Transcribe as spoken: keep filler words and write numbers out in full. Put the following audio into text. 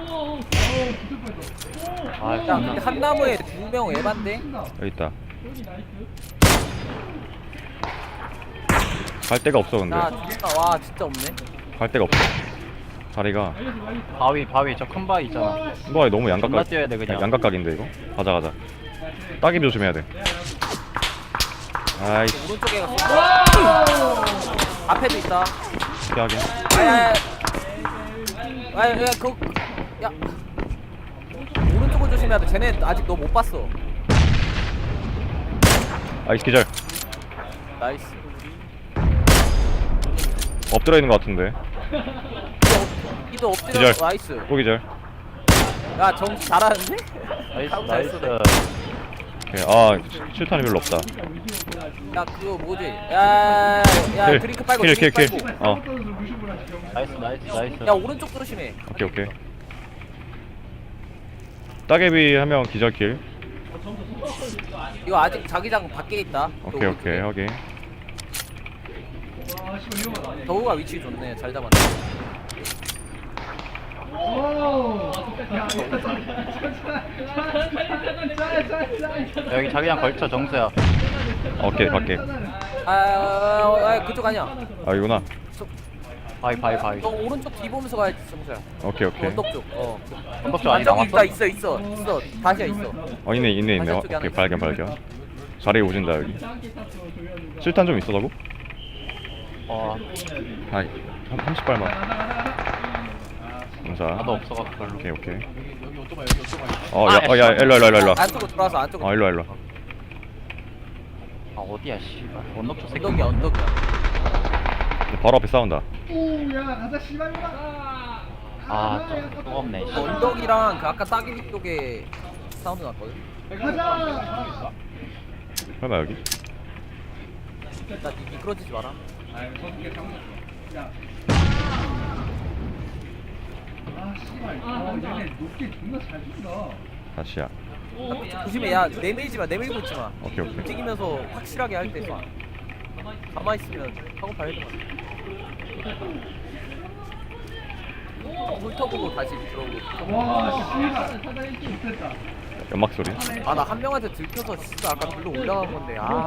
아, 야 근데 한 나무에 두 명 에반데? 여기 있다. 갈 데가 없어 근데. 야 진짜 와 진짜 없네. 갈 데가 없어. 자리가. 바위 바위 저 큰 바위 있잖아. 너 너무 존나 양각각. 뛰어야 돼 그냥. 양각각인데 이거. 가자 가자. 따개비 조심해야 돼. 아이씨. 오른쪽에 갔어. 앞에도 있다. 피하게. 아야야. 아야 야 그. 야. 오른쪽을 조심해야 돼. 쟤네 아직 너 못 봤어. 아이씨 기절. 나이스. 엎드려 있는 것 같은데. 이도 엎드려. 기절. 나이스. 또 기절. 야 정수 잘하는데? 나이스 아우, 잘 나이스. 쏘네. 오케이. 아 실탄이 별로 없다. 야 그거 뭐지? 야야야 킬. 드링크 빨고 킬, 드링크 킬, 킬. 빨고. 어. 나이스 나이스 나이스. 야 오른쪽 조심해. 오케이 오케이. 따개비 한 명 기절킬. 이거 아직 자기장 밖에 있다. 오케이 오케이 확인. 더우가 위치 좋네. 잘 잡았네. 여기 자기장 걸쳐 정수야. 오케이 밖에. 아, 아, 아 그쪽 아니야. 아 이구나. 바위 바위 바위. 너 오른쪽 뒤 보면서 가야지 정수야. 오케이 오케이. 언덕 쪽. 어. 언덕 쪽 아직 저기 남았어? 있다 있어 있어 있어. 다시야 있어. 어 있네 있네 있네. 어, 반대쪽에 오케이 하나 발견 발견. 자리에 오진다 여기. 실탄 좀 있어라고? 어 아이 삼십 발만. 감사. 나도 없어가지고 별로. 오케이 오케이. 아, 어야야 일로 일로 일로 일로. 안쪽으로 들어와서 안쪽으로. 어 일로 일로. 아 어디야 씨발. 언덕 쪽 새끼. 언덕이야 언덕이야. 바로 앞에 싸운다. 아좀 뜨겁네. 씨. 언덕이랑 그 아까 따기비 쪽에 사운드 났거든. 설마 여기? 나 니 미끄러지지 마라. 다시야. 조심해. 야 내밀지 마. 내밀고 있지 마. 오케이 오케이. 움직이면서 확실하게 할 때. 가만히 있으면 하고 봐야 돼. 훑어보고 다시 들어오고. 연막 소리. 아 나 한 명한테 들켜서 진짜 아까 글로 올라간 건데. 아.